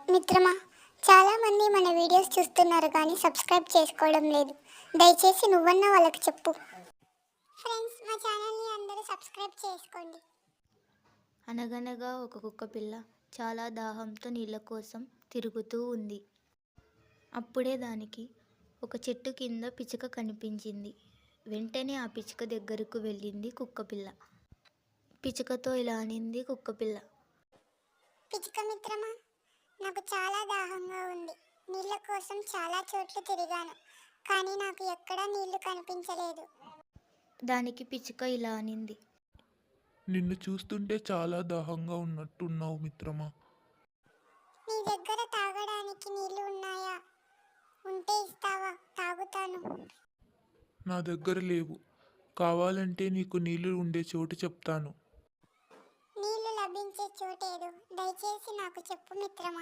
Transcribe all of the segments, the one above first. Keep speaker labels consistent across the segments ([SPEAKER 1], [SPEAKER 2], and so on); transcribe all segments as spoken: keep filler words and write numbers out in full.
[SPEAKER 1] మిత్రమా, చాలామంది మన వీడియోస్ చూస్తున్నారు కానీ సబ్స్క్రైబ్ చేసుకోవడం లేదు. దయచేసి నువ్వన్నా వాళ్ళకి చెప్పు. ఫ్రెండ్స్, మా ఛానల్ని అందరూ సబ్స్క్రైబ్ చేసుకోండి.
[SPEAKER 2] అనగనగా ఒక కుక్కపిల్ల చాలా దాహంతో నీళ్ళ కోసం తిరుగుతూ ఉంది. అప్పుడే దానికి ఒక చెట్టు కింద పిచ్చుక కనిపించింది. వెంటనే ఆ పిచ్చుక దగ్గరకు వెళ్ళింది కుక్కపిల్ల. పిచ్చుకతో ఇలా అనింది కుక్కపిల్ల.
[SPEAKER 1] పిచ్చుక మిత్రమా, నాకు చాలా దాహంగా ఉంది. నీళ్ళ కోసం చాలా చోట్ల తిరిగాను, కానీ నాకు ఎక్కడా నీళ్లు కనిపించలేదు.
[SPEAKER 2] దానికి పిచ్చుక ఇలా అనింది.
[SPEAKER 3] నిన్ను చూస్తుంటే చాలా దాహంగా ఉన్నట్టున్నావు మిత్రమా.
[SPEAKER 1] నీ దగ్గర తాగడానికి నీళ్లు ఉన్నాయా? ఉంటే ఇస్తావా? తాగుతాను.
[SPEAKER 3] నా దగ్గర లేవు. కావాలంటే నీకు నీళ్లు ఉండే చోటు చెప్తాను.
[SPEAKER 1] నీళ్లు లభించే చోటేదో దయచేసి నాకు చెప్పు మిత్రమా.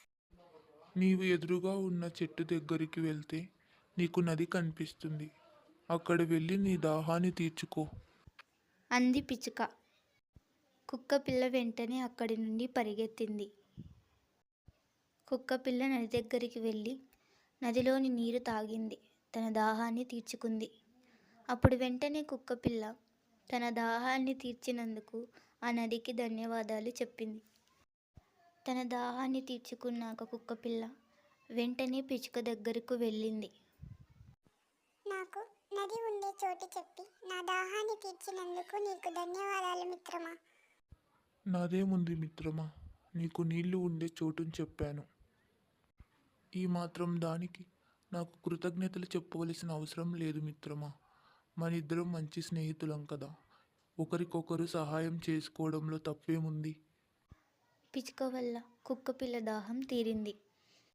[SPEAKER 3] నీవు ఎదురుగా ఉన్న చెట్టు దగ్గరికి వెళ్తే నీకు నది కనిపిస్తుంది. అక్కడ వెళ్ళి నీ దాహాన్ని తీర్చుకో
[SPEAKER 2] అంది పిచ్చుక. కుక్కపిల్ల వెంటనే అక్కడి నుండి పరిగెత్తింది. కుక్కపిల్ల నది దగ్గరికి వెళ్ళి నదిలోని నీరు తాగింది. తన దాహాన్ని తీర్చుకుంది. అప్పుడు వెంటనే కుక్కపిల్ల తన దాహాన్ని తీర్చినందుకు ఆ నదికి ధన్యవాదాలు చెప్పింది. తన దాహాన్ని తీర్చుకున్నాక కుక్కపిల్ల వెంటనే పిచ్చుక దగ్గరకు వెళ్ళింది.
[SPEAKER 1] నాకు నది ఉండే చోటు చెప్పి నా దాహాన్ని తీర్చినందుకు నీకు ధన్యవాదాలు మిత్రమా.
[SPEAKER 3] నాదేముంది మిత్రమా, నీకు నీళ్లు ఉండే చోటుని చెప్పాను. ఈ మాత్రం దానికి నాకు కృతజ్ఞతలు చెప్పవలసిన అవసరం లేదు మిత్రమా. మనిద్దరం మంచి స్నేహితులం కదా. ఒకరికొకరు సహాయం చేసుకోవడంలో తప్పేముంది.
[SPEAKER 2] పిచ్చుక వల్ల కుక్కపిల్ల దాహం తీరింది.